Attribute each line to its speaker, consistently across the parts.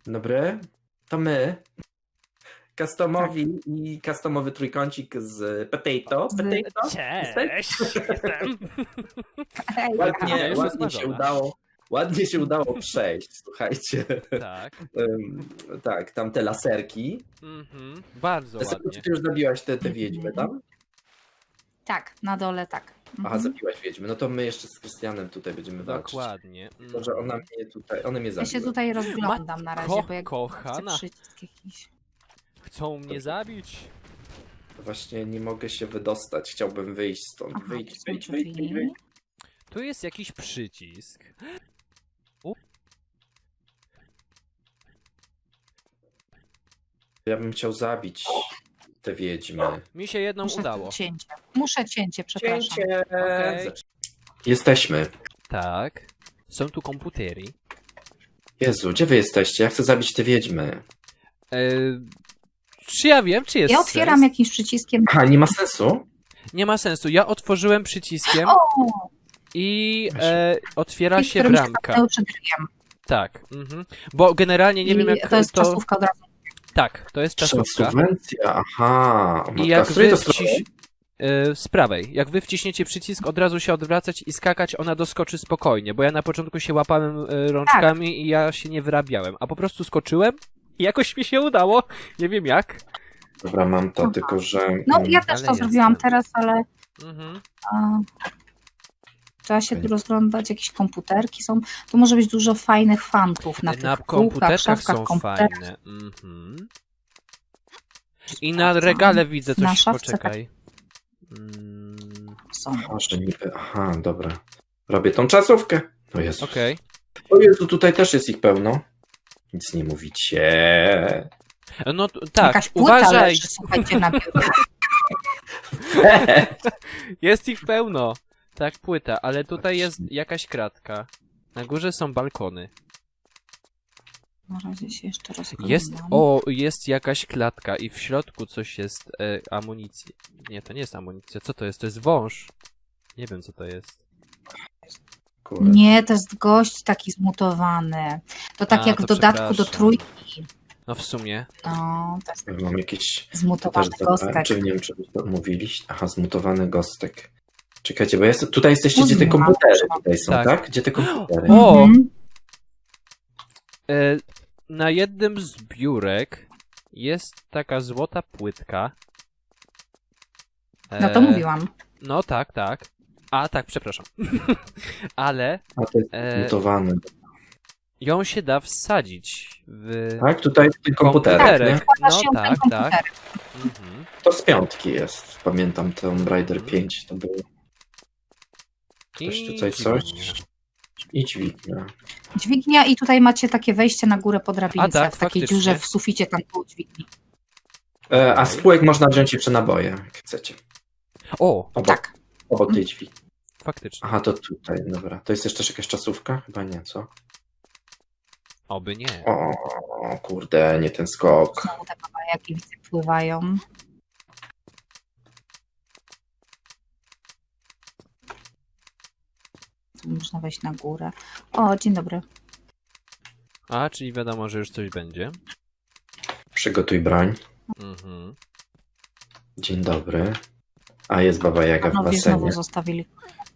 Speaker 1: Dobry, to my. Customowi i customowy trójkącik z Potato. Potato?
Speaker 2: Cześć, jestem.
Speaker 1: Ładnie,
Speaker 2: już
Speaker 1: ładnie się
Speaker 2: smażona.
Speaker 1: udało. Ładnie się udało przejść, słuchajcie.
Speaker 2: Tak.
Speaker 1: Tak, tam te laserki.
Speaker 2: Bardzo
Speaker 1: Laserki,
Speaker 2: ładnie.
Speaker 1: ty już zabiłaś te wiedźmy tam?
Speaker 3: Tak, na dole tak.
Speaker 1: Aha, zabiłaś wiedźmy. No to my jeszcze z Krystianem tutaj będziemy walczyć.
Speaker 2: Dokładnie.
Speaker 1: Tylko, że one mnie
Speaker 3: Ja
Speaker 1: zabiły.
Speaker 3: się tutaj rozglądam na razie, bo jak chcę
Speaker 2: Kochana,
Speaker 3: przycisk jakiś.
Speaker 2: chcą mnie zabić.
Speaker 1: Właśnie nie mogę się wydostać. Chciałbym wyjść stąd.
Speaker 3: Aha,
Speaker 1: Wyjdź,
Speaker 3: tu są
Speaker 1: wyjdź,
Speaker 3: drzwi.
Speaker 1: wyjdź, wyjdź, wyjdź.
Speaker 2: Tu jest jakiś przycisk.
Speaker 1: Ja bym chciał zabić te wiedźmy.
Speaker 2: Mi się jedną udało.
Speaker 3: Muszę cięcie, przepraszam.
Speaker 1: Cięcie!
Speaker 2: Okej.
Speaker 1: Jesteśmy.
Speaker 2: Tak. Są tu komputery.
Speaker 1: Jezu, gdzie wy jesteście? Ja chcę zabić te wiedźmy.
Speaker 2: Czy ja wiem, czy jest
Speaker 3: Ja otwieram
Speaker 2: sens?
Speaker 3: jakimś przyciskiem.
Speaker 1: Aha, nie ma sensu?
Speaker 2: Nie ma sensu. Ja otworzyłem przyciskiem
Speaker 3: O!
Speaker 2: i otwiera
Speaker 3: Klik,
Speaker 2: się
Speaker 3: którym się
Speaker 2: bramka.
Speaker 3: zamknęły przed drzwiem.
Speaker 2: Tak. Bo generalnie nie wiem jak
Speaker 3: to jest czasówka od razu.
Speaker 2: Tak, to jest czasówka.
Speaker 1: Subwencja, aha. O
Speaker 2: I
Speaker 1: matko,
Speaker 2: jak
Speaker 1: a z której
Speaker 2: wy
Speaker 1: to strony?
Speaker 2: z prawej. Jak wy wciśniecie przycisk, od razu się odwracać i skakać, ona doskoczy spokojnie, bo ja na początku się łapałem rączkami i ja się nie wyrabiałem, a po prostu skoczyłem i jakoś mi się udało. Nie wiem jak.
Speaker 1: Dobra, mam to,
Speaker 3: Aha.
Speaker 1: tylko że...
Speaker 3: No ja też
Speaker 2: Ale
Speaker 3: to zrobiłam
Speaker 2: jestem.
Speaker 3: teraz, ale
Speaker 2: Mhm.
Speaker 3: trzeba się
Speaker 1: Okej.
Speaker 3: tu rozglądać, jakieś komputerki są. Tu może być dużo fajnych fantów na tych
Speaker 2: Na
Speaker 3: półkach,
Speaker 2: komputerkach
Speaker 3: szafkach,
Speaker 2: są
Speaker 3: komputerach.
Speaker 2: fajne. Mhm. I na regale widzę
Speaker 3: Na
Speaker 2: coś,
Speaker 3: szafce
Speaker 2: poczekaj.
Speaker 3: Są.
Speaker 1: Może niby... Aha, dobra. Robię tą czasówkę. O Jezu.
Speaker 2: Okej.
Speaker 1: O Jezu, tutaj też jest ich pełno. Nic nie mówicie.
Speaker 2: No tak,
Speaker 3: Jakaś płyta
Speaker 2: uważaj,
Speaker 3: leży, słuchajcie, na biurze.
Speaker 2: jest ich pełno. Tak, płyta, ale tutaj jest jakaś kratka. Na górze są balkony.
Speaker 3: Na razie się jeszcze rozglądam.
Speaker 2: Jest jakaś klatka i w środku coś jest amunicji. Nie, to nie jest amunicja. Co to jest? To jest wąż. Nie wiem, co to jest.
Speaker 1: Kurde.
Speaker 3: Nie, to jest gość taki zmutowany. To tak
Speaker 2: A,
Speaker 3: jak
Speaker 2: to
Speaker 3: w dodatku do
Speaker 2: przepraszam.
Speaker 3: trójki.
Speaker 2: No w sumie.
Speaker 3: No, to jest
Speaker 1: Ja mam jakiś...
Speaker 3: zmutowany
Speaker 1: też
Speaker 3: gostek.
Speaker 1: Czy nie wiem, czy wy to mówiliście? Aha, zmutowany gostek. Czekajcie, bo tutaj jesteście, gdzie te
Speaker 3: Mówiłam,
Speaker 1: komputery
Speaker 3: że-
Speaker 1: tutaj są,
Speaker 2: Tak.
Speaker 1: tak? Gdzie te komputery?
Speaker 2: O!
Speaker 3: Mhm.
Speaker 2: Na jednym z biurek jest taka złota płytka.
Speaker 3: No to mówiłam.
Speaker 2: No tak, tak. A tak, przepraszam. Ale
Speaker 1: A to jest zmutowany.
Speaker 2: ją się da wsadzić w
Speaker 1: Tak, tutaj w tych komputerach, nie?
Speaker 3: Wkłada
Speaker 2: No
Speaker 3: się w ten
Speaker 2: tak,
Speaker 3: komputer.
Speaker 2: tak. Mhm.
Speaker 1: To z piątki jest. Pamiętam Tomb Raider 5 to było. Ktoś
Speaker 2: I
Speaker 1: tutaj coś?
Speaker 2: dźwignia.
Speaker 1: I dźwignia.
Speaker 3: Dźwignia i tutaj macie takie wejście na górę po drabince,
Speaker 2: A tak,
Speaker 3: w takiej
Speaker 2: faktycznie.
Speaker 3: dziurze w suficie tam koło dźwigni.
Speaker 1: A z półek można wziąć jeszcze naboje, jak chcecie.
Speaker 2: O,
Speaker 3: Tak.
Speaker 1: Obok tej dźwigni.
Speaker 2: faktycznie.
Speaker 1: Aha, to tutaj, dobra. To jest jeszcze jakaś czasówka? Chyba nie, co?
Speaker 2: Oby nie.
Speaker 1: O, kurde, nie ten skok.
Speaker 3: Znowu te babajaki widzę pływają. Tu można wejść na górę. O, dzień dobry.
Speaker 2: A, czyli wiadomo, że już coś będzie.
Speaker 1: Przygotuj broń.
Speaker 2: Mhm.
Speaker 1: Dzień dobry. A, jest Baba Jaga w
Speaker 3: Panowie znowu
Speaker 1: basenie.
Speaker 3: zostawili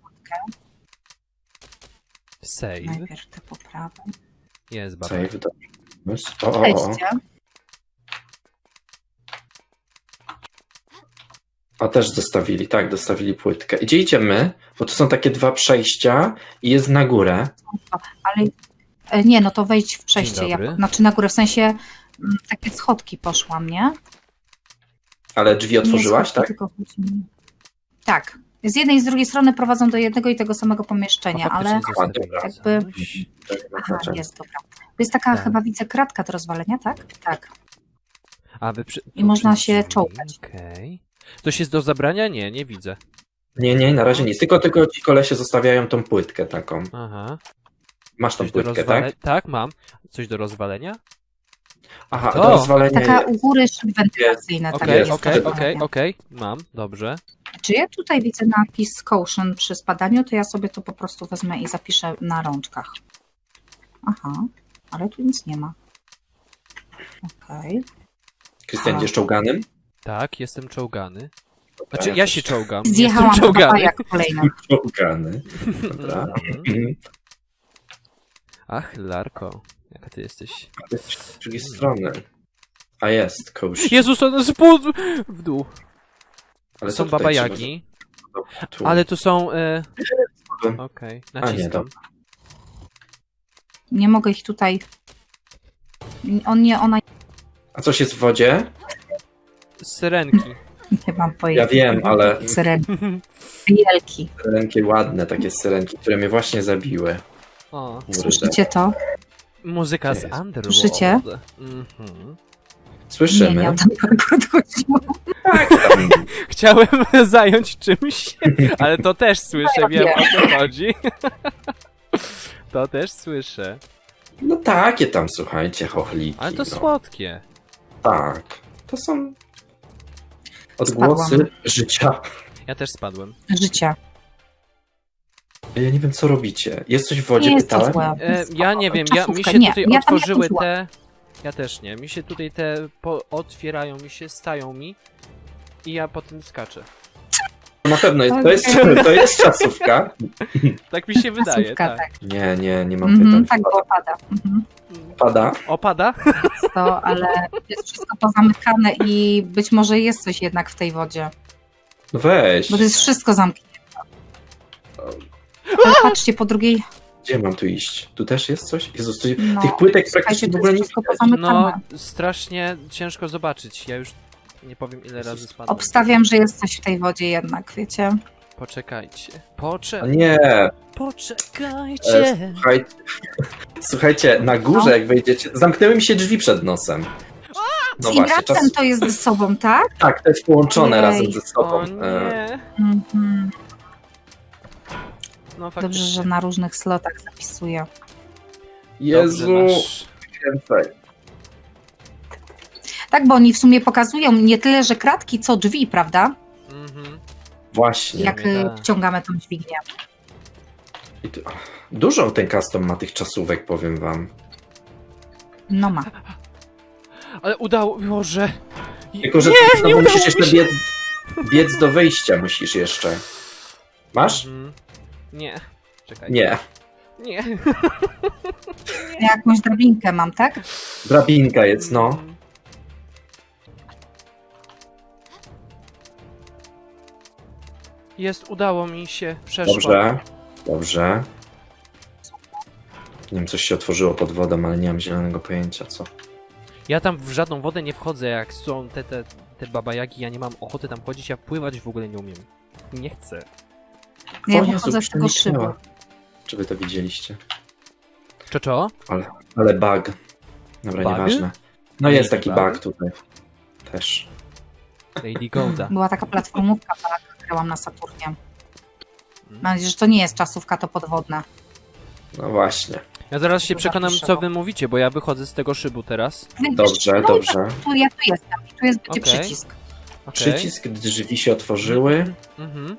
Speaker 2: Save.
Speaker 3: najpierw te poprawy.
Speaker 2: Jest baba.
Speaker 1: Save, dobrze. O.
Speaker 3: Wejdźcie.
Speaker 1: A też zostawili, tak, dostawili płytkę. Gdzie idziemy? Bo to są takie dwa przejścia i jest na górę.
Speaker 3: Ale nie, no to wejdź w przejście.
Speaker 2: Dzień dobry.
Speaker 3: Znaczy na górę, w sensie takie schodki poszłam, nie?
Speaker 1: Ale drzwi
Speaker 3: Nie
Speaker 1: otworzyłaś,
Speaker 3: schodki,
Speaker 1: tak?
Speaker 3: tylko chodzi mi- Tak. Z jednej i z drugiej strony prowadzą do jednego i tego samego pomieszczenia,
Speaker 2: A,
Speaker 3: ale
Speaker 2: faktycznie
Speaker 1: dobra.
Speaker 2: zostawiłem
Speaker 3: jakby-
Speaker 2: coś.
Speaker 3: aha, jest, dobra. To jest taka
Speaker 2: Tak.
Speaker 3: chyba widzę kratka do rozwalenia, tak? Tak.
Speaker 2: A wy przy...
Speaker 3: I można
Speaker 2: przez
Speaker 3: się
Speaker 2: drzwi,
Speaker 3: czołgać.
Speaker 2: Okej. Coś jest do zabrania? Nie, nie widzę.
Speaker 1: Nie, na razie nic. Tylko ci kolesie zostawiają tą płytkę taką.
Speaker 2: Aha.
Speaker 1: Masz tą
Speaker 2: Coś do
Speaker 1: płytkę,
Speaker 2: rozwalenia?
Speaker 1: tak?
Speaker 2: Tak, mam. Coś do rozwalenia?
Speaker 1: Aha,
Speaker 2: To.
Speaker 1: do rozwalenia
Speaker 3: Taka
Speaker 1: jest.
Speaker 3: u góry szyby wentylacyjne.
Speaker 2: Okej,
Speaker 3: jest
Speaker 2: okej,
Speaker 3: do
Speaker 2: okej,
Speaker 3: rozwalenia.
Speaker 2: okej. Mam, dobrze.
Speaker 3: Czy ja tutaj widzę napis caution przy spadaniu, to ja sobie to po prostu wezmę i zapiszę na rączkach. Aha, ale tu nic nie ma. Okej.
Speaker 1: Krystian,
Speaker 3: A.
Speaker 1: idziesz czołganym?
Speaker 2: Tak, jestem czołgany.
Speaker 1: Dobra,
Speaker 2: Znaczy, ja
Speaker 1: też
Speaker 2: się czołgam.
Speaker 3: Zjechałam
Speaker 2: Jestem
Speaker 3: na
Speaker 2: czołgany.
Speaker 3: babajak kolejny.
Speaker 1: Czołgany. Dobra.
Speaker 2: Mhm. Ach, Larko, jaka ty jesteś.
Speaker 1: Z drugiej strony. A jest, kołś.
Speaker 2: Jezus, on jest w dół.
Speaker 1: Ale
Speaker 2: Są
Speaker 1: co tutaj
Speaker 2: Baba
Speaker 1: trzeba
Speaker 2: Jagi,
Speaker 1: zrobić? Tu.
Speaker 2: ale tu są...
Speaker 1: Spadłem.
Speaker 2: Okej,
Speaker 1: nie,
Speaker 2: naciskam.
Speaker 1: dobra.
Speaker 3: Nie mogę ich tutaj... Ona...
Speaker 1: A coś jest w wodzie?
Speaker 2: Syrenki.
Speaker 3: Nie mam pojęcia.
Speaker 1: Ja wiem, ale
Speaker 3: Syrenki. Wielki.
Speaker 1: syrenki ładne, takie syrenki, które mnie właśnie zabiły.
Speaker 2: O,
Speaker 1: Kurde.
Speaker 3: Słyszycie to?
Speaker 2: muzyka z
Speaker 1: Jest.
Speaker 2: Underworld.
Speaker 3: Słyszycie?
Speaker 2: Mhm.
Speaker 3: Nie,
Speaker 1: Słyszymy?
Speaker 3: nie o ten parkour chodziło.
Speaker 1: Tam,
Speaker 2: Chciałem zająć czymś, ale to też słyszę,
Speaker 3: Ja
Speaker 2: wiem
Speaker 3: wiem.
Speaker 2: o co chodzi. To też słyszę.
Speaker 1: no takie tam, słuchajcie, chochliki.
Speaker 2: Ale to
Speaker 1: no.
Speaker 2: słodkie.
Speaker 1: Tak. To są odgłosy
Speaker 3: Spadłam.
Speaker 1: życia.
Speaker 2: Ja też spadłem.
Speaker 3: Życia.
Speaker 1: Ja nie wiem, co robicie. Jest coś w wodzie,
Speaker 3: Nie jest to
Speaker 1: pytałem?
Speaker 3: złe.
Speaker 2: Ja nie wiem, mi
Speaker 3: Czasówkę.
Speaker 2: się
Speaker 3: Nie,
Speaker 2: tutaj
Speaker 3: ja tam nie
Speaker 2: otworzyły
Speaker 3: chodziłam.
Speaker 2: te... Ja też nie. Mi się tutaj te otwierają, mi się stają mi i ja potem skaczę.
Speaker 1: Na pewno jest, to jest czasówka.
Speaker 2: Tak mi się wydaje,
Speaker 3: Czasówka,
Speaker 2: tak.
Speaker 1: Nie mam pytań.
Speaker 3: Tak, bo pada.
Speaker 1: Pada?
Speaker 2: Opada?
Speaker 3: To, ale jest wszystko pozamykane i być może jest coś jednak w tej wodzie.
Speaker 1: No weź.
Speaker 3: Bo to jest wszystko zamknięte. Ale patrzcie, po drugiej...
Speaker 1: Gdzie mam tu iść? Tu też jest coś? Jezus, tu...
Speaker 3: No,
Speaker 1: tych płytek
Speaker 3: słuchajcie,
Speaker 1: praktycznie w
Speaker 3: to
Speaker 1: ogóle
Speaker 3: jest
Speaker 1: nie
Speaker 3: wszystko
Speaker 1: widać.
Speaker 3: pozamykane.
Speaker 2: No, strasznie ciężko zobaczyć. Ja już nie powiem ile razy spadłem.
Speaker 3: Obstawiam, że jest coś w tej wodzie jednak, wiecie?
Speaker 2: Poczekajcie.
Speaker 1: A nie,
Speaker 2: Poczekajcie.
Speaker 1: słuchajcie, na górze
Speaker 3: No.
Speaker 1: jak wejdziecie, zamknęły mi się drzwi przed nosem.
Speaker 3: Z
Speaker 1: No właśnie,
Speaker 3: Ingrapsem to jest ze sobą, tak?
Speaker 1: tak, to jest połączone
Speaker 3: Jej.
Speaker 1: razem ze sobą.
Speaker 2: O nie.
Speaker 3: Mhm.
Speaker 2: No
Speaker 3: Dobrze,
Speaker 2: faktycznie.
Speaker 3: że na różnych slotach zapisuję.
Speaker 1: Jezu,
Speaker 2: Dobrze, nasz...
Speaker 1: więcej.
Speaker 3: Tak, bo oni w sumie pokazują nie tyle, że kratki, co drzwi, prawda?
Speaker 2: Mhm.
Speaker 1: Właśnie.
Speaker 3: Jak
Speaker 2: tak.
Speaker 3: wciągamy tą dźwignię.
Speaker 1: I tu, dużo ten custom ma tych czasówek, powiem wam.
Speaker 3: No ma.
Speaker 2: Ale udało... Boże.
Speaker 1: Tylko, że
Speaker 2: nie
Speaker 1: znowu
Speaker 2: udało
Speaker 1: musisz
Speaker 2: mi
Speaker 1: jeszcze
Speaker 2: się.
Speaker 1: biec do wyjścia, musisz jeszcze. Masz?
Speaker 2: Mhm. Nie. Czekaj.
Speaker 1: Nie.
Speaker 2: Nie.
Speaker 3: Ja jakąś drabinkę mam, tak?
Speaker 1: Drabinka jest, no.
Speaker 2: Mhm. Jest, udało mi się. Przeszło.
Speaker 1: Dobrze. Nie wiem, coś się otworzyło pod wodą, ale nie mam zielonego pojęcia, co.
Speaker 2: Ja tam w żadną wodę nie wchodzę, jak są te babajagi, ja nie mam ochoty tam chodzić, ja pływać w ogóle nie umiem. Nie chcę.
Speaker 3: Ja
Speaker 1: O Jezu,
Speaker 3: wychodzę z tego szybu.
Speaker 1: przeniknęła. Czy wy to widzieliście?
Speaker 2: Czo?
Speaker 1: Ale bug. Dobra,
Speaker 2: Bug?
Speaker 1: nieważne. No jest
Speaker 2: Lady
Speaker 1: taki
Speaker 2: bug?
Speaker 1: bug tutaj. Też.
Speaker 2: Lady Golda.
Speaker 3: Była taka platformówka, tak, grałam na Saturnie. Mam nadzieję, że to nie jest czasówka, to podwodna.
Speaker 1: No właśnie.
Speaker 2: Ja zaraz się
Speaker 3: To
Speaker 2: przekonam,
Speaker 3: zapiszę,
Speaker 2: co
Speaker 3: bo-
Speaker 2: wy mówicie, bo ja wychodzę z tego szybu teraz.
Speaker 1: Dobrze,
Speaker 3: No i
Speaker 1: dobrze.
Speaker 3: Ja tu jestem i tu jest będzie
Speaker 2: Okej.
Speaker 3: przycisk.
Speaker 2: Okay.
Speaker 1: Przycisk, drzwi się otworzyły.
Speaker 2: Mhm.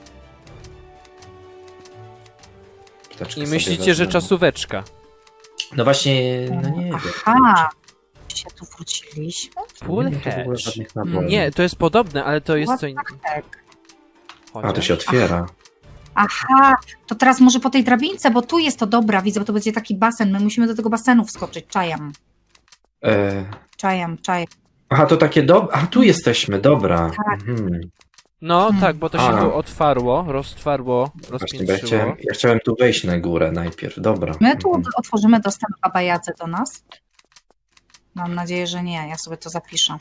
Speaker 1: Ptaczkę
Speaker 2: I
Speaker 1: sobie
Speaker 2: myślicie, że
Speaker 1: wezmę.
Speaker 2: czasóweczka.
Speaker 1: No właśnie, no nie wiem.
Speaker 3: Aha. Się tu wróciliśmy?
Speaker 2: Full
Speaker 1: Nie wiem, to w ogóle
Speaker 2: hatch.
Speaker 1: żadnych naboi.
Speaker 2: Nie, to jest podobne, ale to jest
Speaker 3: What
Speaker 2: co
Speaker 3: the
Speaker 2: innego.
Speaker 3: heck?
Speaker 1: A, to się otwiera.
Speaker 3: Aha, to teraz może po tej drabince, bo tu jest to dobra, widzę, bo to będzie taki basen. My musimy do tego basenu wskoczyć. Czajam. Czajam.
Speaker 1: Aha, to takie A, tu jesteśmy, dobra.
Speaker 3: Tak.
Speaker 1: Mhm.
Speaker 2: No
Speaker 3: Hmm.
Speaker 2: tak, bo to się
Speaker 1: A.
Speaker 2: tu otwarło, roztwarło,
Speaker 1: Właśnie, bo
Speaker 2: rozpiętrzyło.
Speaker 1: ja chciałem tu wejść na górę najpierw, dobra.
Speaker 3: My tu
Speaker 1: Mhm.
Speaker 3: otworzymy dostęp Baba Jadze do nas. Mam nadzieję, że nie. Ja sobie to zapiszę.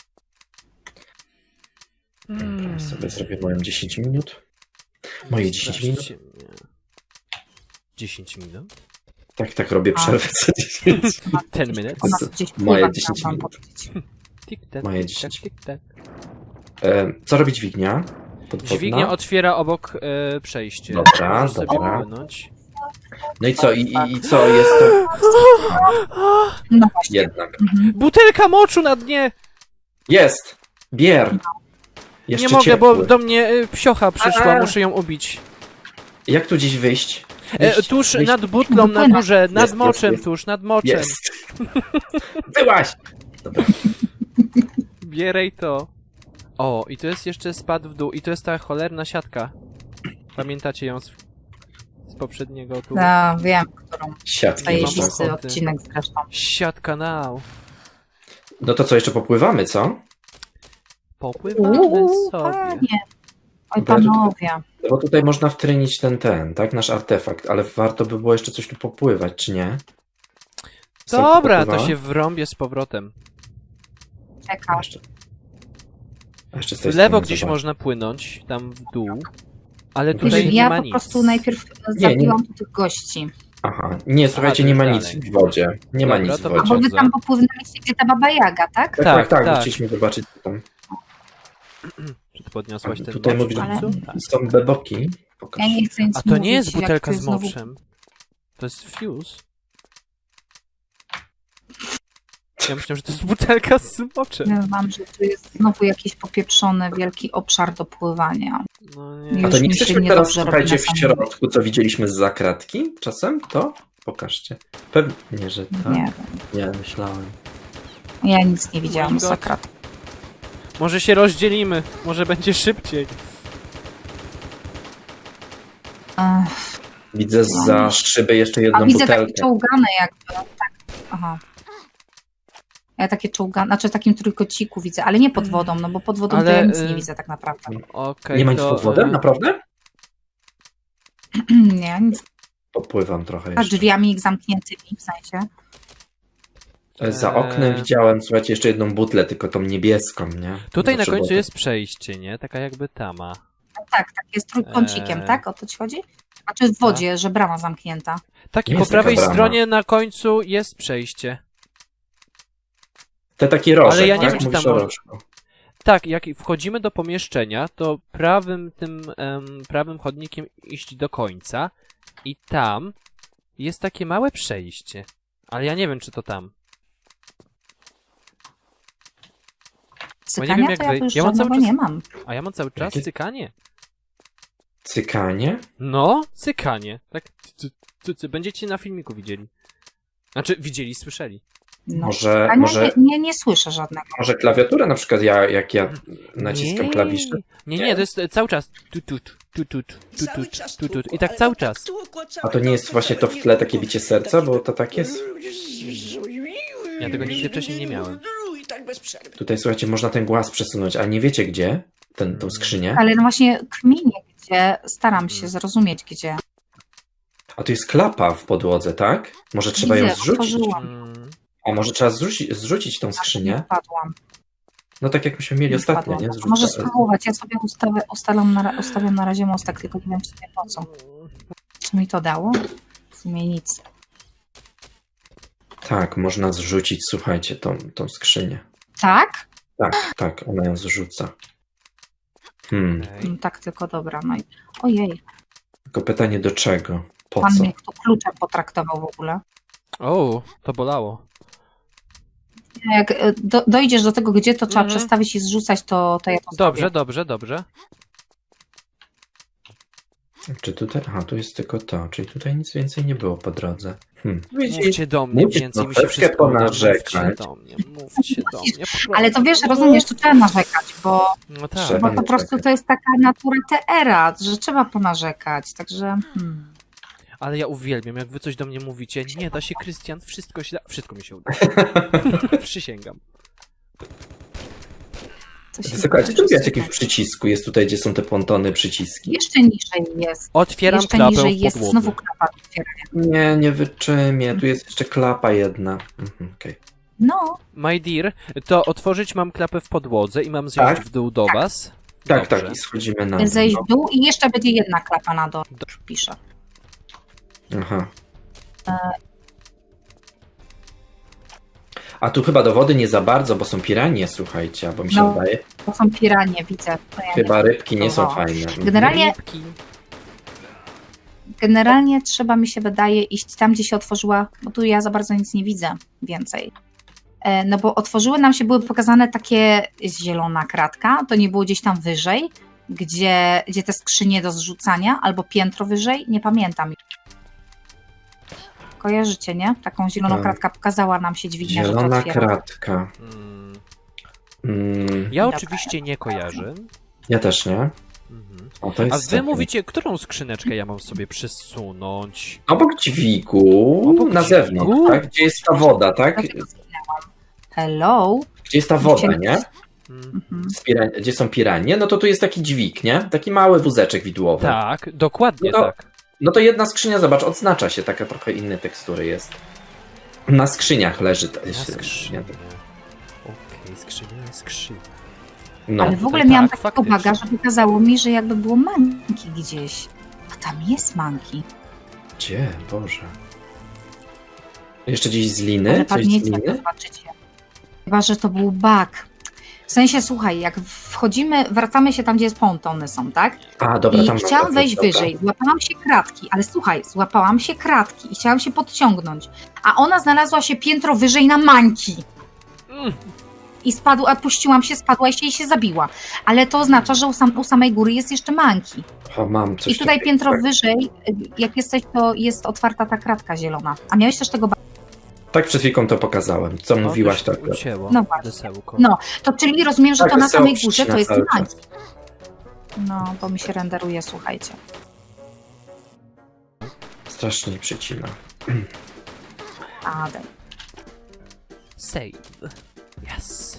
Speaker 1: Dobra, sobie zrobię moją 10 minut. Moje 10 minut?
Speaker 2: Straszcie mnie. 10 minut?
Speaker 1: Tak, robię
Speaker 3: A.
Speaker 1: przerwę co 10.
Speaker 2: 10 minutes?
Speaker 3: Ona gdzieś
Speaker 1: Moje
Speaker 3: pływa,
Speaker 1: 10
Speaker 3: chciałam
Speaker 1: minut.
Speaker 3: powiedzieć.
Speaker 2: Tik-tak,
Speaker 1: Moje
Speaker 2: tik-tak,
Speaker 1: 10.
Speaker 2: tik-tak.
Speaker 1: Co robi dźwignia? Podwodna?
Speaker 2: Dźwignia otwiera obok przejście.
Speaker 1: Dobra,
Speaker 2: Możesz sobie
Speaker 1: dobra.
Speaker 2: płynąć.
Speaker 1: No i co? I co jest to?
Speaker 3: No właśnie.
Speaker 1: Jednak.
Speaker 3: Mhm.
Speaker 2: Butelka moczu na dnie!
Speaker 1: Jest! Bier! Jeszcze
Speaker 2: Nie mogę,
Speaker 1: ciepły.
Speaker 2: bo do mnie psiocha przyszła,
Speaker 1: A.
Speaker 2: muszę ją ubić.
Speaker 1: Jak tu gdzieś wyjść? Wyjść,
Speaker 2: Tuż
Speaker 1: wyjść.
Speaker 2: nad butlą na
Speaker 3: Wypłynę.
Speaker 2: górze, nad
Speaker 1: Jest,
Speaker 2: moczem
Speaker 1: jest.
Speaker 2: tuż, nad moczem.
Speaker 1: Jest! Byłaś! Dobra.
Speaker 2: Bieraj to. O, i to jest jeszcze spad w dół. I to jest ta cholerna siatka. Pamiętacie ją z poprzedniego tu?
Speaker 3: Ja wiem, którą.
Speaker 1: Siatki
Speaker 3: Zajebisty
Speaker 1: można.
Speaker 2: ochoty.
Speaker 3: odcinek zresztą.
Speaker 2: Siatka now.
Speaker 1: No to co, jeszcze popływamy, co?
Speaker 2: Popływamy sobie.
Speaker 3: Panie. Oj,
Speaker 1: Dobra, to-
Speaker 3: panowie.
Speaker 1: No bo tutaj można wtrynić ten, tak? Nasz artefakt, ale warto by było jeszcze coś tu popływać, czy nie?
Speaker 2: Dobra, to
Speaker 1: Popływała?
Speaker 2: się wrąbię z powrotem.
Speaker 1: A
Speaker 3: Czekam.
Speaker 1: jeszcze- a jeszcze z
Speaker 2: W
Speaker 1: tej
Speaker 2: lewo
Speaker 1: strony
Speaker 2: gdzieś
Speaker 1: zobacz.
Speaker 2: można płynąć, tam w dół. Ale
Speaker 1: Wiesz,
Speaker 2: tutaj nie
Speaker 3: Ja
Speaker 2: ma
Speaker 3: po
Speaker 2: nic.
Speaker 3: prostu najpierw zabiłam tu tych gości.
Speaker 1: Aha, nie, słuchajcie,
Speaker 2: to
Speaker 1: nie
Speaker 2: jest
Speaker 1: ma nic
Speaker 2: dalej.
Speaker 1: w wodzie. Nie ma
Speaker 2: Dobra,
Speaker 1: nic w
Speaker 2: to
Speaker 3: A bo
Speaker 1: wodzie.
Speaker 3: wy
Speaker 2: Dobrze.
Speaker 3: tam popłynęliście, gdzie ta Baba Jaga, tak?
Speaker 1: Tak,
Speaker 2: tak.
Speaker 1: bo chcieliśmy zobaczyć co tam.
Speaker 2: Czy ty podniosłaś ten
Speaker 1: Tutaj
Speaker 2: mocz
Speaker 1: mówisz,
Speaker 2: w końcu?
Speaker 3: ale-
Speaker 2: Tak.
Speaker 1: Są beboki. Pokaż.
Speaker 3: Ja nie chcę nic
Speaker 2: A to nie
Speaker 3: mówić,
Speaker 2: jest
Speaker 3: jak
Speaker 2: butelka
Speaker 3: to
Speaker 2: z
Speaker 3: znowu-
Speaker 2: moczem. To jest fuse. Ja myślałem, że to jest butelka z moczem.
Speaker 3: Powiem wam, że tu jest znowu jakiś popieprzony wielki obszar do pływania.
Speaker 2: No
Speaker 3: Już
Speaker 1: A to nie
Speaker 3: mi się
Speaker 1: jesteśmy teraz,
Speaker 3: niedobrze robi
Speaker 1: słuchajcie,
Speaker 3: na
Speaker 1: w
Speaker 3: samym-
Speaker 1: środku, co widzieliśmy z zakratki czasem? To? Pokażcie. Pewnie, że tak.
Speaker 3: Nie
Speaker 1: Nie, myślałem.
Speaker 3: ja nic nie widziałam
Speaker 2: My
Speaker 3: z
Speaker 2: God.
Speaker 3: zakrat.
Speaker 2: Może się rozdzielimy, może będzie szybciej.
Speaker 3: Ech,
Speaker 1: Widzę za szyby jeszcze jedną
Speaker 3: A widzę takie
Speaker 1: butelkę.
Speaker 3: czołgane jakby. Tak. Aha. Ja takie czołgane, znaczy w takim trójkociku widzę, ale nie pod wodą, no bo pod wodą to
Speaker 2: Ale,
Speaker 3: ja nic
Speaker 2: y-
Speaker 3: nie widzę tak naprawdę.
Speaker 2: Okej,
Speaker 1: Nie ma nic
Speaker 2: to,
Speaker 1: pod wodą?
Speaker 2: e,
Speaker 1: Naprawdę?
Speaker 3: Nie, nic.
Speaker 1: Popływam trochę
Speaker 3: A
Speaker 1: jeszcze.
Speaker 3: drzwiami zamkniętymi w sensie.
Speaker 1: Za oknem widziałem, słuchajcie, jeszcze jedną butlę, tylko tą niebieską, nie?
Speaker 2: Tutaj na
Speaker 1: Zawsze
Speaker 2: końcu
Speaker 1: było
Speaker 2: jest przejście, nie? Taka jakby tama.
Speaker 3: Tak, tak, jest trójkącikiem,
Speaker 2: Eee.
Speaker 3: tak? O to ci chodzi? Znaczy w wodzie, że brama zamknięta.
Speaker 2: Tak, i
Speaker 1: Jest
Speaker 2: po prawej
Speaker 1: taka brama.
Speaker 2: stronie na końcu jest przejście.
Speaker 1: Te taki rożek,
Speaker 2: Ale ja nie
Speaker 1: tak?
Speaker 2: wiem, czy
Speaker 1: Mówisz
Speaker 2: tam
Speaker 1: o
Speaker 2: może-
Speaker 1: rożku.
Speaker 2: Tak, jak wchodzimy do pomieszczenia, to prawym chodnikiem iść do końca i tam jest takie małe przejście. Ale ja nie wiem, czy to tam.
Speaker 3: Cykania
Speaker 2: jak
Speaker 3: to ja
Speaker 2: wy-
Speaker 3: tu już
Speaker 2: ja mam cały
Speaker 3: żadnego
Speaker 2: czas-
Speaker 3: nie mam.
Speaker 2: A ja mam cały czas
Speaker 1: Jakie-
Speaker 2: cykanie.
Speaker 1: Cykanie?
Speaker 2: No, cykanie. Tak, będziecie na filmiku widzieli. Znaczy, widzieli, słyszeli.
Speaker 3: No.
Speaker 1: Może,
Speaker 3: Cykania
Speaker 1: może,
Speaker 3: nie słyszę żadnego.
Speaker 1: może klawiaturę na przykład, jak ja naciskam klawisze.
Speaker 2: Nie, to jest cały czas. Tutut. I tak cały czas.
Speaker 1: A to nie jest właśnie to w tle takie bicie serca, bo to tak jest?
Speaker 2: Ja tego nigdy wcześniej nie miałem.
Speaker 4: I tak bez przerwy.
Speaker 1: Tutaj, słuchajcie, można ten głaz przesunąć, a nie wiecie gdzie? Tą skrzynię?
Speaker 3: Ale no właśnie kminie gdzie, staram się zrozumieć gdzie.
Speaker 1: A tu jest klapa w podłodze, tak? Może trzeba ją
Speaker 3: Widzę,
Speaker 1: zrzucić?
Speaker 3: otworzyłam.
Speaker 1: A może trzeba zrzucić tą
Speaker 3: Nie
Speaker 1: skrzynię?
Speaker 3: wpadłam.
Speaker 1: No tak jak myśmy mieli
Speaker 3: Nie
Speaker 1: ostatnio,
Speaker 3: wpadłam.
Speaker 1: nie?
Speaker 3: Może spróbować, ja sobie ustawiam na razie mostek, tylko nie wiem w sumie po co. Co mi to dało? W sumie nic.
Speaker 1: Tak, można zrzucić, słuchajcie, tą skrzynię.
Speaker 3: Tak?
Speaker 1: Tak, ona ją zrzuca.
Speaker 3: No, tak, tylko dobra. No i... Ojej,
Speaker 1: Tylko pytanie do czego? Po
Speaker 3: pan
Speaker 1: co?
Speaker 3: mnie tu kluczem potraktował w ogóle.
Speaker 2: O, to bolało.
Speaker 3: Jak dojdziesz do tego, gdzie to trzeba
Speaker 2: Mhm.
Speaker 3: przestawić i zrzucać, to ja to
Speaker 2: Dobrze,
Speaker 3: zrobię.
Speaker 2: dobrze.
Speaker 1: Czy tutaj? Aha, tu jest tylko to, czyli tutaj nic więcej nie było po drodze.
Speaker 2: Mówcie do mnie,
Speaker 1: Musisz
Speaker 2: więcej mi się
Speaker 1: troszeczkę
Speaker 2: wszystko uda.
Speaker 1: ponarzekać.
Speaker 2: Mówcie do mnie.
Speaker 3: Ale to wiesz, rozumiesz, tu trzeba narzekać, bo
Speaker 2: No
Speaker 1: Trzeba.
Speaker 2: tak.
Speaker 3: po prostu
Speaker 1: narzekać.
Speaker 3: to jest taka natura TR-a, że trzeba ponarzekać, także...
Speaker 2: Ale ja uwielbiam, jak wy coś do mnie mówicie. Nie da się, Krystian, wszystko się da. Wszystko mi się uda. Przysięgam.
Speaker 3: Coś się
Speaker 1: Słuchajcie, tu
Speaker 3: dzieje.
Speaker 1: widać jakimś przycisku, jest tutaj, gdzie są te pontony przyciski.
Speaker 3: Jeszcze niżej jest.
Speaker 2: Otwieram
Speaker 3: Jeszcze
Speaker 2: klapę
Speaker 3: niżej
Speaker 2: w
Speaker 3: jest
Speaker 2: podłodze.
Speaker 3: znowu klapa do otwierania.
Speaker 1: Nie wyczymię, tu jest jeszcze klapa jedna. Okej.
Speaker 3: No,
Speaker 2: My dear, to otworzyć mam klapę w podłodze i mam zejść
Speaker 1: Tak?
Speaker 2: w dół do was.
Speaker 1: Tak,
Speaker 2: Dobrze.
Speaker 1: i schodzimy na dół.
Speaker 3: zejść w dół i jeszcze będzie jedna klapa na dole, już piszę.
Speaker 1: Aha. A tu chyba do wody nie za bardzo, bo są piranie, słuchajcie, bo mi się
Speaker 3: No.
Speaker 1: wydaje.
Speaker 3: To są piranie, widzę. To ja
Speaker 1: Chyba rybki nie są
Speaker 3: Oho.
Speaker 1: fajne.
Speaker 3: Generalnie,
Speaker 2: Rybki.
Speaker 3: generalnie trzeba, mi się wydaje, iść tam, gdzie się otworzyła, bo tu ja za bardzo nic nie widzę więcej. No bo otworzyły nam się, były pokazane takie zielona kratka, to nie było gdzieś tam wyżej, gdzie te skrzynie do zrzucania, albo piętro wyżej, nie pamiętam. kojarzycie, nie? Taką zieloną
Speaker 1: Tak.
Speaker 3: kratkę pokazała nam się dźwignia, że to
Speaker 1: Zielona
Speaker 3: otwiera.
Speaker 1: kratka.
Speaker 2: Ja
Speaker 3: Dobra.
Speaker 2: oczywiście nie kojarzę.
Speaker 1: Ja też nie.
Speaker 2: Mhm.
Speaker 1: O, to
Speaker 2: A
Speaker 1: jest
Speaker 2: wy
Speaker 1: sekret.
Speaker 2: mówicie, którą skrzyneczkę ja mam sobie przesunąć?
Speaker 1: Obok dźwigu,
Speaker 2: Obok
Speaker 1: na
Speaker 2: dźwigu?
Speaker 1: zewnątrz, tak? Gdzie jest ta woda, tak?
Speaker 3: Dlatego zginęłam. Hello?
Speaker 1: Gdzie jest ta woda,
Speaker 3: Chciałem-
Speaker 1: nie?
Speaker 2: Mm.
Speaker 3: Mhm.
Speaker 1: Gdzie są piranie, no to tu jest taki dźwig, nie? Taki mały wózeczek widłowy.
Speaker 2: Tak, dokładnie
Speaker 1: No to-
Speaker 2: tak.
Speaker 1: No to jedna skrzynia, zobacz, odznacza się, taka trochę innej tekstury jest. Na skrzyniach leży ta
Speaker 2: Na skrzynię.
Speaker 1: skrzynia.
Speaker 2: Okej, skrzynia.
Speaker 1: No,
Speaker 3: Ale w ogóle
Speaker 2: tak,
Speaker 3: miałam takiego
Speaker 2: faktycznie.
Speaker 3: baga, że wykazało mi, że jakby było manki gdzieś. A tam jest manki.
Speaker 1: gdzie? Boże. Jeszcze gdzieś z liny?
Speaker 3: Ale
Speaker 1: Coś z
Speaker 3: padniecie, jak to
Speaker 1: liny?
Speaker 3: zobaczycie. Chyba, że to był bug. W sensie, słuchaj, jak wchodzimy, wracamy się tam, gdzie jest pontony są, tak?
Speaker 1: A, dobra,
Speaker 3: I
Speaker 1: tam
Speaker 3: chciałam wejść
Speaker 1: dobra.
Speaker 3: wyżej, złapałam się kratki, ale słuchaj, złapałam się kratki i chciałam się podciągnąć, a ona znalazła się piętro wyżej na mańki.
Speaker 2: Mm.
Speaker 3: I puściłam się, spadła i się zabiła. Ale to oznacza, że u samej góry jest jeszcze manki.
Speaker 1: O, mam coś
Speaker 3: I tutaj
Speaker 1: takiego.
Speaker 3: piętro wyżej, jak jesteś, to jest otwarta ta kratka zielona. A miałeś też tego
Speaker 1: Tak przed chwilką to pokazałem. Co mówiłaś, tak?
Speaker 2: Ucięło.
Speaker 3: No właśnie.
Speaker 2: Wesełko.
Speaker 3: No, to czyli rozumiem, że
Speaker 1: Tak,
Speaker 3: to na
Speaker 1: wesoło
Speaker 3: samej górze
Speaker 1: przycina
Speaker 3: to jest
Speaker 1: cały czas.
Speaker 3: manki. No, bo mi się renderuje, słuchajcie.
Speaker 1: Strasznie nie przycina.
Speaker 3: Adel.
Speaker 2: Save. Yes.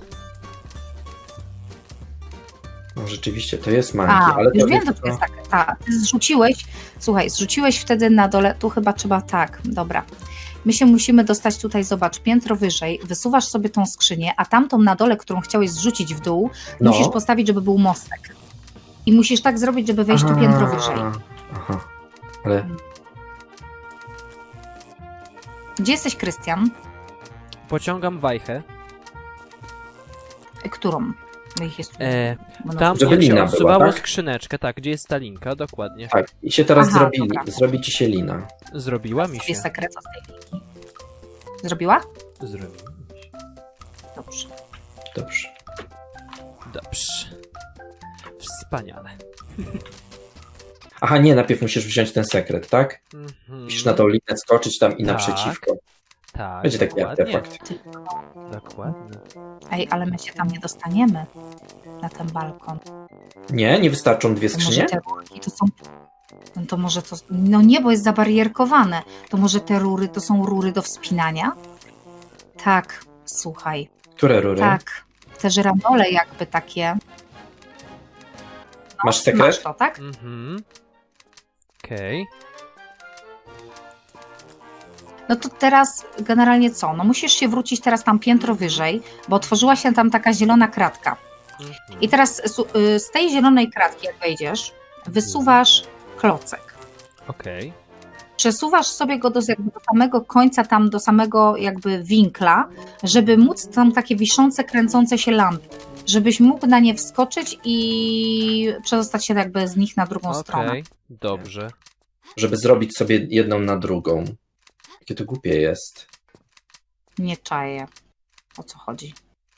Speaker 1: No rzeczywiście, to jest manki,
Speaker 3: A,
Speaker 1: ale
Speaker 3: już
Speaker 1: to
Speaker 3: wiem, że to jest tak. Ty zrzuciłeś, słuchaj, zrzuciłeś wtedy na dole, tu chyba trzeba tak, dobra. My się musimy dostać tutaj, zobacz, piętro wyżej, wysuwasz sobie tą skrzynię, a tamtą na dole, którą chciałeś zrzucić w dół,
Speaker 1: No.
Speaker 3: musisz postawić, żeby był mostek. I musisz tak zrobić, żeby wejść tu piętro wyżej.
Speaker 1: Aha. Ale
Speaker 3: Gdzie jesteś, Krystian?
Speaker 2: Pociągam wajchę.
Speaker 3: Którą? Bo ich jest mnóstwo.
Speaker 2: Tam
Speaker 1: Żeby
Speaker 2: jak się
Speaker 1: lina
Speaker 2: odsuwało
Speaker 1: była, tak?
Speaker 2: skrzyneczkę, tak, gdzie jest ta linka, dokładnie.
Speaker 1: tak, i się teraz
Speaker 3: Aha,
Speaker 1: zrobili.
Speaker 3: dobra.
Speaker 1: Zrobi ci się lina.
Speaker 2: Zrobiła mi się.
Speaker 3: Jest sekret z tej linki. Zrobiła?
Speaker 2: Zrobiła mi się.
Speaker 3: Dobrze.
Speaker 1: Dobrze.
Speaker 2: Dobrze. Wspaniale.
Speaker 1: Aha, nie, najpierw musisz wziąć ten sekret, tak?
Speaker 2: Mhm.
Speaker 1: Musisz na tą linę skoczyć tam i
Speaker 2: Tak.
Speaker 1: naprzeciwko.
Speaker 2: Tak,
Speaker 1: Będzie taki
Speaker 2: dokładnie.
Speaker 1: artefakt.
Speaker 2: Dokładnie.
Speaker 3: Ej, ale my się tam nie dostaniemy. Na ten balkon.
Speaker 1: Nie? Nie wystarczą dwie
Speaker 3: To może
Speaker 1: skrzynie?
Speaker 3: te rurki to są... No to może to... No nie, bo jest zabarierkowane. To może te rury to są rury do wspinania? Tak, słuchaj.
Speaker 1: Które rury?
Speaker 3: Tak. Te żyrandole jakby takie.
Speaker 1: Masz
Speaker 3: Masz
Speaker 1: sekret?
Speaker 3: to, tak?
Speaker 2: Mhm. Okej.
Speaker 3: No to teraz generalnie co? No musisz się wrócić teraz tam piętro wyżej, bo otworzyła się tam taka zielona kratka.
Speaker 2: Mhm.
Speaker 3: I teraz z tej zielonej kratki, jak wejdziesz, wysuwasz klocek.
Speaker 2: Okej.
Speaker 3: Przesuwasz sobie go jakby do samego końca, tam do samego jakby winkla, żeby móc tam takie wiszące, kręcące się lampy, żebyś mógł na nie wskoczyć i przedostać się jakby z nich na drugą stronę.
Speaker 2: Okej. Dobrze.
Speaker 1: Żeby zrobić sobie jedną na drugą. Jakie to głupie jest.
Speaker 3: Nie czaję. O co chodzi?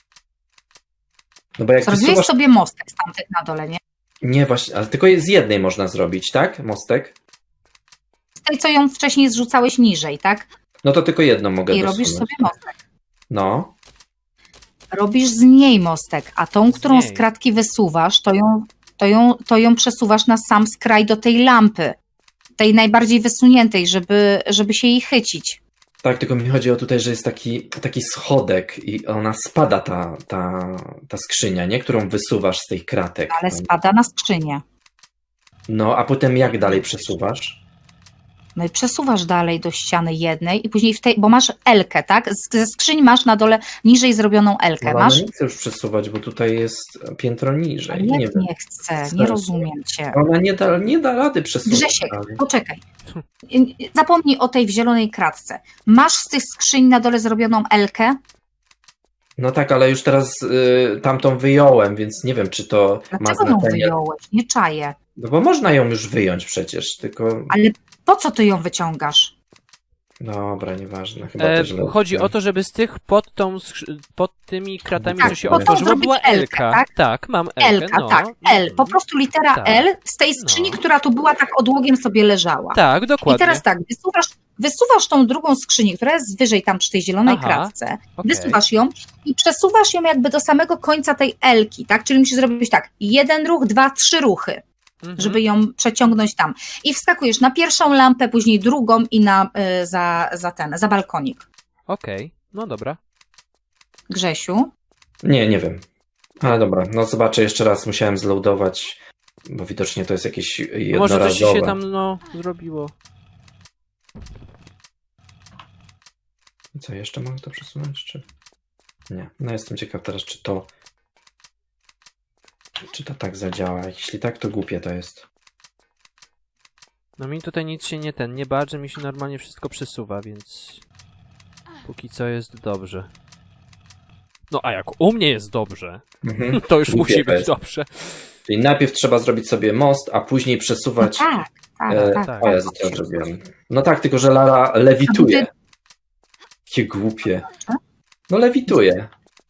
Speaker 1: No bo jak
Speaker 3: Zrobiłeś
Speaker 1: wysuwasz...
Speaker 3: sobie mostek z tamtych na dole, nie?
Speaker 1: Nie, właśnie, ale tylko z jednej można zrobić, tak? Mostek?
Speaker 3: Z tej, co ją wcześniej zrzucałeś niżej, tak?
Speaker 1: No to tylko jedną mogę
Speaker 3: I
Speaker 1: dosunąć.
Speaker 3: robisz sobie mostek.
Speaker 1: No.
Speaker 3: Robisz z niej mostek, a tą,
Speaker 2: Z
Speaker 3: którą z
Speaker 2: niej.
Speaker 3: kratki wysuwasz, to ją przesuwasz na sam skraj do tej lampy. Tej najbardziej wysuniętej, żeby się jej chycić.
Speaker 1: Tak, tylko mi chodzi o tutaj, że jest taki schodek i ona spada, ta skrzynia, nie? Którą wysuwasz z tych kratek.
Speaker 3: Ale spada na skrzynię.
Speaker 1: No, a potem jak dalej przesuwasz?
Speaker 3: No i przesuwasz dalej do ściany jednej i później bo masz Elkę, tak? Ze skrzyń masz na dole niżej zrobioną Elkę.
Speaker 1: No,
Speaker 3: Masz?
Speaker 1: ale nie chcę już przesuwać, bo tutaj jest piętro niżej.
Speaker 3: Ale
Speaker 1: Nie
Speaker 3: jak
Speaker 1: wiem.
Speaker 3: nie chcę, nie
Speaker 1: Serce.
Speaker 3: rozumiem cię.
Speaker 1: Ona nie da rady przesuwać.
Speaker 3: Grzesiek,
Speaker 1: dalej.
Speaker 3: poczekaj. Zapomnij o tej w zielonej kratce. Masz z tych skrzyń na dole zrobioną Elkę?
Speaker 1: No tak, ale już teraz tamtą wyjąłem, więc nie wiem, czy to ma
Speaker 3: Dlaczego ją
Speaker 1: znaczenie.
Speaker 3: wyjąłeś? Nie czaję.
Speaker 1: No bo można ją już wyjąć przecież, tylko...
Speaker 3: Ale po co ty ją wyciągasz?
Speaker 1: Dobra, nieważne. Chyba to źle
Speaker 2: Chodzi
Speaker 1: odczułem.
Speaker 2: o to, żeby z tych pod tymi kratami,
Speaker 1: Tak,
Speaker 2: co się
Speaker 1: po to
Speaker 2: otworzyło,
Speaker 3: zrobić
Speaker 2: była
Speaker 3: Elkę,
Speaker 2: Elka.
Speaker 3: tak?
Speaker 2: Tak, mam Elkę.
Speaker 3: Elka,
Speaker 2: no.
Speaker 3: tak, L. Po prostu litera
Speaker 2: Tak.
Speaker 3: L z tej skrzyni,
Speaker 2: No.
Speaker 3: która tu była tak odłogiem sobie leżała.
Speaker 2: Tak, dokładnie.
Speaker 3: I teraz tak, wysuwasz tą drugą skrzynię, która jest wyżej tam przy tej zielonej
Speaker 2: Aha,
Speaker 3: kratce,
Speaker 2: okej.
Speaker 3: wysuwasz ją i przesuwasz ją jakby do samego końca tej elki, tak? Czyli musisz zrobić tak, 1 ruch, 2, 3 ruchy,
Speaker 2: Mhm.
Speaker 3: żeby ją przeciągnąć tam. I wskakujesz na pierwszą lampę, później drugą i za balkonik.
Speaker 2: Okej, no dobra.
Speaker 3: Grzesiu?
Speaker 1: Nie wiem. Ale dobra, no zobaczę jeszcze raz, musiałem zloadować, bo widocznie to jest jakieś
Speaker 2: Może coś ci się
Speaker 1: jednorazowe.
Speaker 2: tam, zrobiło.
Speaker 1: Co, jeszcze mogę to przesunąć, czy... Nie, no jestem ciekaw teraz, czy to tak zadziała. Jeśli tak, to głupie to jest.
Speaker 2: No mi tutaj nic się nie badże, mi się normalnie wszystko przesuwa, więc... Póki co jest dobrze. No a jak u mnie jest dobrze,
Speaker 1: Mhm.
Speaker 2: to już
Speaker 1: Głupie
Speaker 2: musi
Speaker 1: to
Speaker 2: być
Speaker 1: jest.
Speaker 2: dobrze.
Speaker 1: Czyli najpierw trzeba zrobić sobie most, a później
Speaker 3: No
Speaker 1: przesuwać...
Speaker 3: tak.
Speaker 2: tak.
Speaker 1: O Jezu, co ja zrobiłem? No tak, tylko że Lara lewituje. Jakie głupie. No lewituje.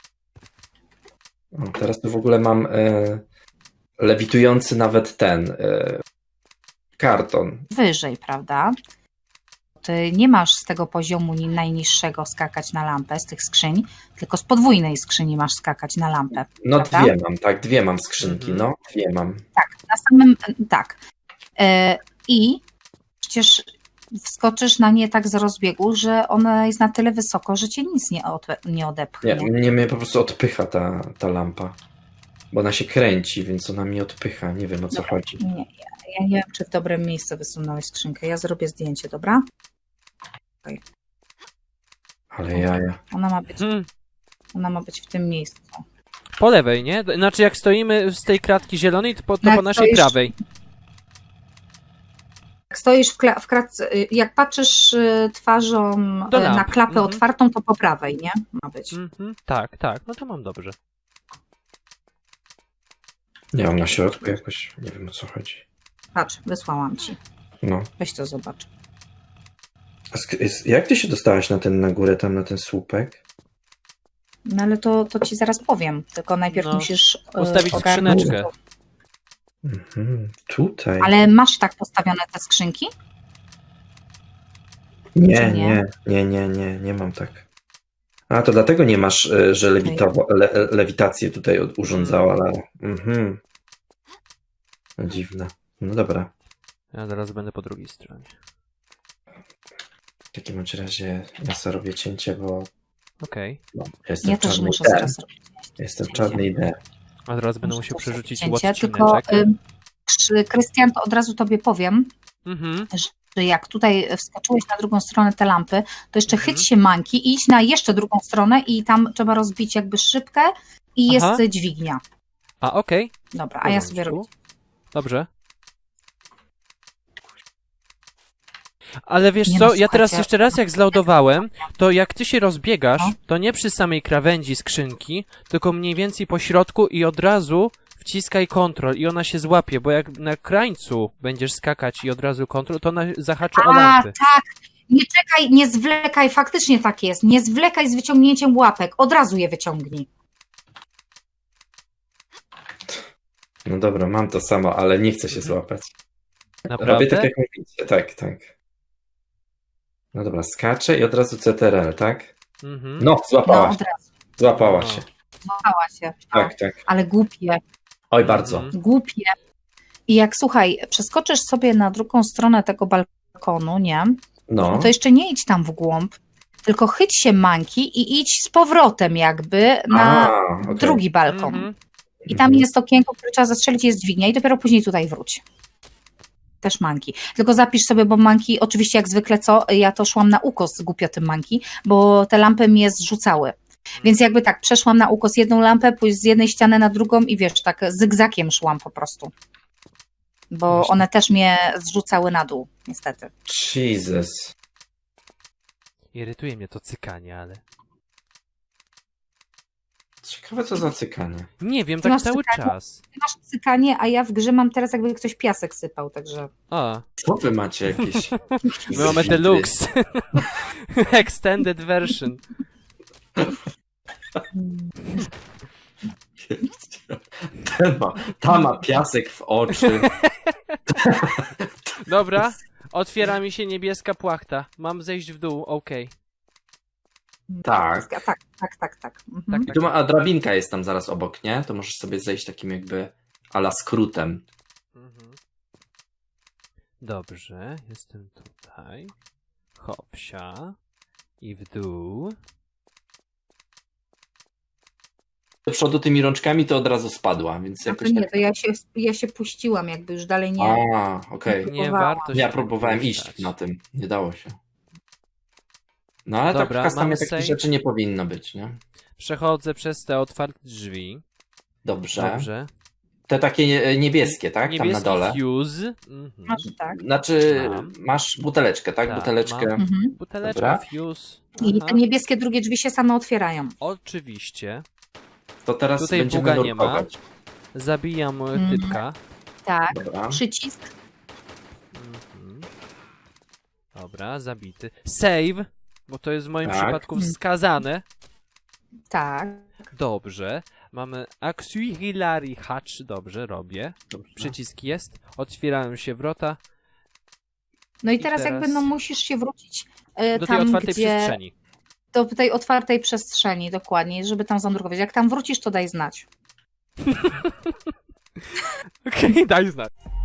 Speaker 1: O, teraz tu w ogóle mam lewitujący nawet ten karton.
Speaker 3: Wyżej, prawda? Ty nie masz z tego poziomu najniższego skakać na lampę, z tych skrzyń, tylko z podwójnej skrzyni masz skakać na lampę.
Speaker 1: No
Speaker 3: Prawda?
Speaker 1: dwie mam, tak, dwie mam skrzynki,
Speaker 2: Mhm.
Speaker 1: no, dwie mam.
Speaker 3: Na samym, tak. I przecież wskoczysz na nie tak z rozbiegu, że ona jest na tyle wysoko, że cię nic nie odepchnie.
Speaker 1: Nie, mnie po prostu odpycha ta lampa. Bo ona się kręci, więc ona mnie odpycha. Nie wiem, o co chodzi.
Speaker 3: Nie, ja nie wiem, czy w dobrym miejscu wysunąłeś skrzynkę. Ja zrobię zdjęcie, dobra?
Speaker 1: Ale jaja.
Speaker 3: Ona ma być w tym miejscu.
Speaker 2: Po lewej, nie? Znaczy jak stoimy z tej kratki zielonej, to po
Speaker 3: Jak
Speaker 2: naszej
Speaker 3: stoisz-
Speaker 2: prawej.
Speaker 3: Jak stoisz w kratce, jak patrzysz twarzą
Speaker 2: Do
Speaker 3: na
Speaker 2: lamp.
Speaker 3: klapę
Speaker 2: Mhm.
Speaker 3: otwartą, to po prawej, nie? Ma być.
Speaker 2: Mhm. Tak, no to mam dobrze.
Speaker 1: Nie mam na środku jakoś. Nie wiem, o co chodzi.
Speaker 3: Patrz, wysłałam ci.
Speaker 1: No.
Speaker 3: Weź to zobacz.
Speaker 1: Jak ty się dostałaś na górę, tam na ten słupek?
Speaker 3: No ale to ci zaraz powiem, tylko najpierw
Speaker 2: No,
Speaker 3: musisz
Speaker 2: ustawić
Speaker 3: ogarnąć.
Speaker 2: skrzyneczkę.
Speaker 1: Mhm, tutaj.
Speaker 3: Ale masz tak postawione te skrzynki?
Speaker 1: Nie,
Speaker 3: czy nie?
Speaker 1: nie mam tak. A, to dlatego nie masz, że lewitację tutaj urządzała Lara. Mhm. No, dziwne. No dobra.
Speaker 2: Ja zaraz będę po drugiej stronie.
Speaker 1: W takim bądź razie ja sobie robię cięcie, bo
Speaker 2: Okej.
Speaker 1: no, jestem
Speaker 3: Ja
Speaker 1: w
Speaker 3: też
Speaker 1: czarnej
Speaker 3: muszę
Speaker 1: D.
Speaker 3: zaraz robić.
Speaker 1: Jestem w czarnej D.
Speaker 2: A zaraz będę
Speaker 3: Muszę
Speaker 2: musiał
Speaker 3: też robić
Speaker 2: przerzucić
Speaker 3: cięcie,
Speaker 2: ład
Speaker 3: tylko
Speaker 2: skrzyneczek.
Speaker 3: Krystian, to od razu tobie powiem,
Speaker 2: Mhm.
Speaker 3: że jak tutaj wskoczyłeś na drugą stronę te lampy, to jeszcze
Speaker 2: Mhm.
Speaker 3: chyć się manki i idź na jeszcze drugą stronę i tam trzeba rozbić jakby szybkę i
Speaker 2: Aha.
Speaker 3: jest dźwignia.
Speaker 2: A okej.
Speaker 3: Dobra, a ja sobie robię.
Speaker 2: Dobrze. Ale wiesz
Speaker 3: Nie
Speaker 2: co,
Speaker 3: no,
Speaker 2: ja teraz
Speaker 3: słuchajcie.
Speaker 2: jeszcze raz jak zlaudowałem, to jak ty się rozbiegasz,
Speaker 3: No.
Speaker 2: to nie przy samej krawędzi skrzynki, tylko mniej więcej po środku i od razu wciskaj kontrol i ona się złapie, bo jak na krańcu będziesz skakać i od razu kontrol, to ona zahaczy o
Speaker 3: A,
Speaker 2: lampy.
Speaker 3: tak, nie czekaj, nie zwlekaj, faktycznie tak jest, nie zwlekaj z wyciągnięciem łapek, od razu je wyciągnij.
Speaker 1: No dobra, mam to samo, ale nie chcę się złapać. Robię
Speaker 2: Naprawdę?
Speaker 1: tak jak mówicie. Tak. No dobra, skaczę i od razu CTRL, tak?
Speaker 2: Mhm.
Speaker 1: No,
Speaker 3: No,
Speaker 1: złapała
Speaker 3: od
Speaker 1: się.
Speaker 3: razu,
Speaker 1: Złapała
Speaker 2: No.
Speaker 1: się.
Speaker 3: złapała się. No,
Speaker 1: Tak.
Speaker 3: ale głupie.
Speaker 1: Oj, bardzo.
Speaker 2: Mhm.
Speaker 3: Głupie. I jak, słuchaj, przeskoczysz sobie na drugą stronę tego balkonu, nie?
Speaker 1: No.
Speaker 3: To jeszcze nie idź tam w głąb, tylko chyć się manki i idź z powrotem jakby na
Speaker 1: okej.
Speaker 3: drugi balkon.
Speaker 2: Mhm.
Speaker 3: I tam jest okienko, które trzeba zastrzelić, jest dźwignia i dopiero później tutaj wróć. Też manki. Tylko zapisz sobie, bo manki, oczywiście jak zwykle ja to szłam na ukos głupio tym manki, bo te lampy mnie zrzucały. Więc jakby tak, przeszłam na ukos jedną lampę, pójść z jednej ściany na drugą i wiesz, tak zygzakiem szłam po prostu. Bo
Speaker 1: Właśnie.
Speaker 3: one też mnie zrzucały na dół, niestety.
Speaker 1: Jesus.
Speaker 2: Irytuje mnie to cykanie, ale...
Speaker 1: Ciekawe, co za cykanie.
Speaker 2: Nie wiem,
Speaker 3: Ty
Speaker 2: tak
Speaker 3: masz
Speaker 2: cały
Speaker 3: cykanie?
Speaker 2: czas.
Speaker 3: Ty masz cykanie, a ja w grze mam teraz jakby ktoś piasek sypał, także...
Speaker 2: A,
Speaker 1: Co wy macie jakieś...
Speaker 2: my mamy deluxe. Extended version.
Speaker 1: Ta ma piasek w oczy.
Speaker 2: Dobra, Otwiera mi się niebieska płachta. Mam zejść w dół, okej.
Speaker 1: Tak.
Speaker 3: Tak. Mhm.
Speaker 2: Tak.
Speaker 1: A drabinka jest tam zaraz obok, nie? To możesz sobie zejść takim jakby ala skrótem.
Speaker 2: Mhm. Dobrze, jestem tutaj. Hopsia. I w dół.
Speaker 1: Do przodu tymi rączkami to od razu spadła, więc
Speaker 3: No to
Speaker 1: jakoś
Speaker 3: nie,
Speaker 1: tak...
Speaker 3: to ja się puściłam, jakby już dalej nie.
Speaker 1: A, okej.
Speaker 2: Nie
Speaker 3: Próbowałam.
Speaker 2: warto się
Speaker 1: Ja
Speaker 2: tak
Speaker 1: próbowałem
Speaker 2: puszczać.
Speaker 1: iść na tym, nie dało się. No ale
Speaker 2: Dobra,
Speaker 1: tak w customie
Speaker 2: mamy
Speaker 1: takich
Speaker 2: save.
Speaker 1: rzeczy nie powinno być, nie?
Speaker 2: Przechodzę przez te otwarte drzwi.
Speaker 1: Dobrze.
Speaker 2: Dobrze.
Speaker 1: Te takie niebieskie, tak? Tam na
Speaker 2: Niebieski
Speaker 1: dole.
Speaker 2: fuse. Mhm.
Speaker 3: Masz tak.
Speaker 1: Znaczy,
Speaker 2: Mam.
Speaker 1: masz buteleczkę, tak?
Speaker 2: Tak,
Speaker 1: Buteleczkę.
Speaker 2: mam.
Speaker 3: Mhm.
Speaker 2: Buteleczka,
Speaker 1: Dobra.
Speaker 2: fuse.
Speaker 3: I
Speaker 2: Aha.
Speaker 3: te niebieskie drugie drzwi się same otwierają.
Speaker 2: Oczywiście.
Speaker 1: To teraz
Speaker 2: Tutaj
Speaker 1: będziemy
Speaker 2: buga nie ma.
Speaker 1: nurkować.
Speaker 2: Zabijam typka.
Speaker 3: Tak.
Speaker 1: Dobra.
Speaker 3: Przycisk.
Speaker 2: Mhm. Dobra, zabity. Save, bo to jest w moim
Speaker 1: Tak.
Speaker 2: przypadku wskazane.
Speaker 3: Tak.
Speaker 2: Dobrze. Mamy Auxiliary Hatch. Dobrze, robię.
Speaker 1: Dobrze.
Speaker 2: Przycisk jest. Otwierają się wrota
Speaker 3: No i
Speaker 2: I
Speaker 3: teraz jakby
Speaker 2: teraz
Speaker 3: no musisz się wrócić
Speaker 2: do tej
Speaker 3: tam,
Speaker 2: otwartej
Speaker 3: gdzie...
Speaker 2: przestrzeni.
Speaker 3: Do tej otwartej przestrzeni, dokładnie, żeby tam zanurkować. Jak tam wrócisz, to daj znać.
Speaker 2: Okej, daj znać.